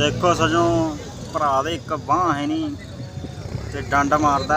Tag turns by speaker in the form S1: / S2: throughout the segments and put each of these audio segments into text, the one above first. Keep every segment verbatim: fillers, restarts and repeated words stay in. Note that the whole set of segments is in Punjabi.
S1: देखो सजों भरा दे एक बांह है नहीं ते डंड मारदा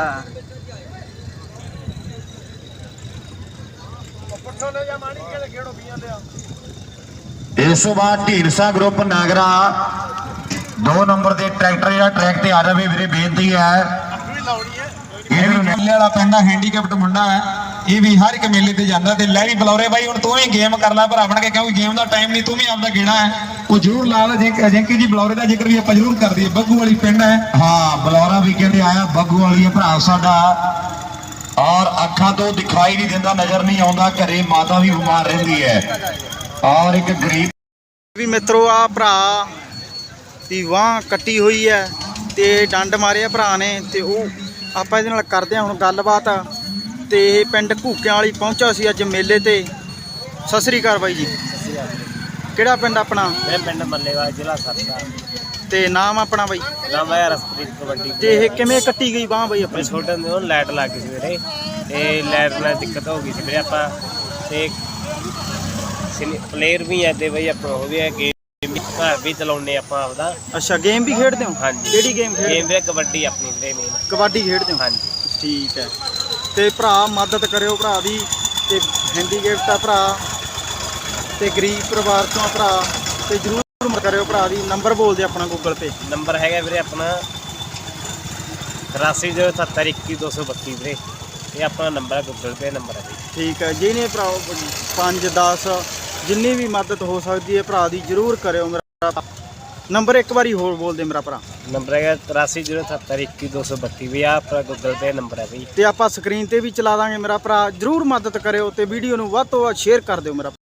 S2: इस तो बाद ढीरसा ग्रुप नागरा दो नंबर के ट्रैक्टर या ट्रैक ते आ जाए मेरी बेनती है। ये भी मेले वाला पिंड हैंडीकैप्ट मुंडा है, ये भी हर एक मेले ते जांदा ते लै भी बलौरे भाई हुण तू ही गेम कर ला भरा बन के, क्योंकि गेम का टाइम नहीं, तू भी आपका गेड़ा है वो जरूर ला ला। जेंकी जी बलौरे का जिक्र भी आप जरूर कर दिए। बग्गू वाली पिंड है, हाँ बलौरा भी कहते आया बग्गू वाली है भरा साडा, और अखा तो दिखाई नहीं देता, नजर नहीं आता, घरे माता भी बीमार रही है और एक गरीब
S1: भी मित्रों आ भरा दी वाह कट्टी हुई है ते डंड मारे भरा ने ते ਉਹ ਆਪਾਂ ਇਹਦੇ ਨਾਲ ਕਰਦੇ ਹਾਂ ਹੁਣ ਗੱਲਬਾਤ। ਤੇ ਇਹ ਪਿੰਡ ਘੂਕਿਆਂ ਵਾਲੀ ਪਹੁੰਚਾ ਸੀ ਅੱਜ ਮੇਲੇ ਤੇ। ਸਤਿ ਸ੍ਰੀ ਅਕਾਲ ਬਾਈ ਜੀ। ਕਿਹੜਾ ਪਿੰਡ ਆਪਣਾ?
S3: ਮੈਂ ਪਿੰਡ ਮੱਲੇਵਾਲ, ਜ਼ਿਲ੍ਹਾ ਸਰਦਾ।
S1: ਤੇ ਨਾਮ ਆਪਣਾ ਬਾਈ?
S3: ਨਾਮ ਹੈ ਰਸਪ੍ਰੀਤ ਕਬੱਡੀ।
S1: ਤੇ ਇਹ ਕਿਵੇਂ ਕੱਟੀ ਗਈ ਬਾਂਹ ਬਾਈ ਆਪਣੀ?
S3: ਛੋਟੇ ਹੁੰਦੇ ਉਹ ਲਾਈਟ ਲੱਗ ਗਈ ਸੀ ਵੀਰੇ, ਤੇ ਲਾਈਟ ਨਾਲ ਦਿੱਕਤ ਹੋ ਗਈ ਸੀ ਵੀਰੇ। ਆਪਾਂ ਤੇ ਪਲੇਅਰ ਵੀ ਹੈ ਤੇ ਬਈ ਆਪਾਂ ਉਹ ਵੀ ਹੈ, ਗੇਮ ਘਰ ਵੀ ਚਲਾਉਂਦੇ ਆਪਾਂ ਆਪਦਾ।
S1: ਅੱਛਾ ਗੇਮ ਵੀ ਖੇਡਦੇ ਹੋ?
S3: ਹਾਂਜੀ।
S1: ਕਿਹੜੀ ਗੇਮ ਖੇਡਦੇ?
S3: ਗੇਮ ਵੀਰੇ ਕਬੱਡੀ ਆਪਣੀ ਵੀਰੇ ਮੇਨ।
S1: ਕਬੱਡੀ ਖੇਡਦੇ ਹੋ?
S3: ਹਾਂਜੀ
S1: ਠੀਕ ਹੈ। ਤੇ ਭਰਾ ਮਦਦ ਕਰਿਓ ਭਰਾ ਦੀ, ਤੇ ਹੈਂਡੀਕੈਪਟ ਆ ਭਰਾ ਤੇ ਗਰੀਬ ਪਰਿਵਾਰ ਤੋਂ ਭਰਾ, ਤੇ ਜ਼ਰੂਰ ਮਦਦ ਕਰਿਓ ਭਰਾ ਦੀ। ਨੰਬਰ ਬੋਲ ਦੇ ਆਪਣਾ ਗੂਗਲ ਪੇ
S3: ਨੰਬਰ ਹੈਗਾ ਵੀਰੇ ਆਪਣਾ ਤਰਾਸੀ ਜ਼ੀਰੋ ਸੱਤਰ ਇੱਕੀ ਦੋ ਸੌ ਬੱਤੀ ਵੀਰੇ, ਇਹ ਆਪਣਾ ਨੰਬਰ ਹੈ, ਗੂਗਲ ਪੇ ਨੰਬਰ ਹੈ ਜੀ।
S1: ਠੀਕ ਹੈ। ਜਿਹਨੇ ਭਰਾ ਪੰਜ ਦਸ ਜਿੰਨੀ ਵੀ ਮਦਦ ਹੋ ਸਕਦੀ ਹੈ ਭਰਾ ਦੀ ਜ਼ਰੂਰ ਕਰਿਓ। ਮੇਰਾ ਨੰਬਰ ਇੱਕ ਵਾਰੀ ਹੋਰ ਬੋਲ ਦੇ ਮੇਰਾ ਭਰਾ।
S3: ਨੰਬਰ ਹੈਗਾ ਤਰਾਸੀ ਜ਼ੀਰੋ ਸੱਤਰ ਇੱਕੀ ਦੋ ਸੌ ਬੱਤੀ ਵੀ, ਆਹ ਆਪਣਾ ਗੂਗਲ ਪੇ ਨੰਬਰ ਹੈ ਬਈ।
S1: ਤੇ ਆਪਾਂ ਸਕਰੀਨ ਤੇ ਵੀ ਚਲਾ ਦਾਂਗੇ ਮੇਰਾ ਭਰਾ, ਜ਼ਰੂਰ ਮਦਦ ਕਰਿਓ ਤੇ ਵੀਡੀਓ ਨੂੰ ਵੱਧ ਤੋਂ ਵੱਧ ਸ਼ੇਅਰ ਕਰ ਦਿਓ ਮੇਰਾ।